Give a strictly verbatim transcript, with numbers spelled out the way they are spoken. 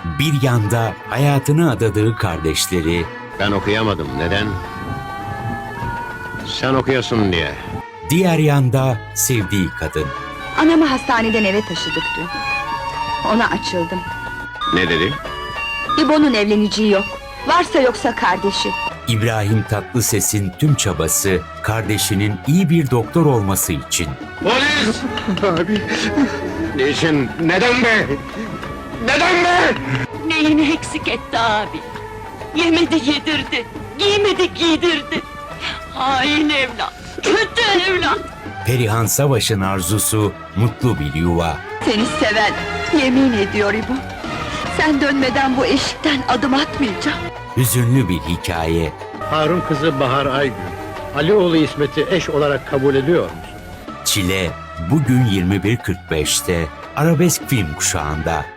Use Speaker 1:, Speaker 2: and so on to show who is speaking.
Speaker 1: Bir yanda hayatını adadığı kardeşleri,
Speaker 2: Ben okuyamadım. Neden? Sen okuyorsun diye.
Speaker 1: diğer yanda sevdiği kadın.
Speaker 3: Anamı hastaneden eve taşıdık dün. Ona açıldım.
Speaker 2: Ne dedi?
Speaker 3: İbo'nun evleneceği yok. Varsa yoksa kardeşi.
Speaker 1: İbrahim Tatlıses'in tüm çabası kardeşinin iyi bir doktor olması için.
Speaker 2: Polis! Abi. Niçin? Neden be? Neden be?
Speaker 4: Neyini eksik etti abi? Yemedi yedirdi, giymedi giydirdi. Hain evlat, kötü evlat.
Speaker 1: Perihan Savaş'ın arzusu mutlu bir yuva.
Speaker 3: Seni seven, yemin ediyor İbo. Sen dönmeden bu eşikten adım atmayacağım.
Speaker 1: Hüzünlü bir hikaye.
Speaker 5: Harun kızı Bahar Aygün, Alioğlu İsmet'i eş olarak kabul ediyor musun?
Speaker 1: Çile bugün yirmi bir kırk beşte Arabesk Film Kuşağı'nda.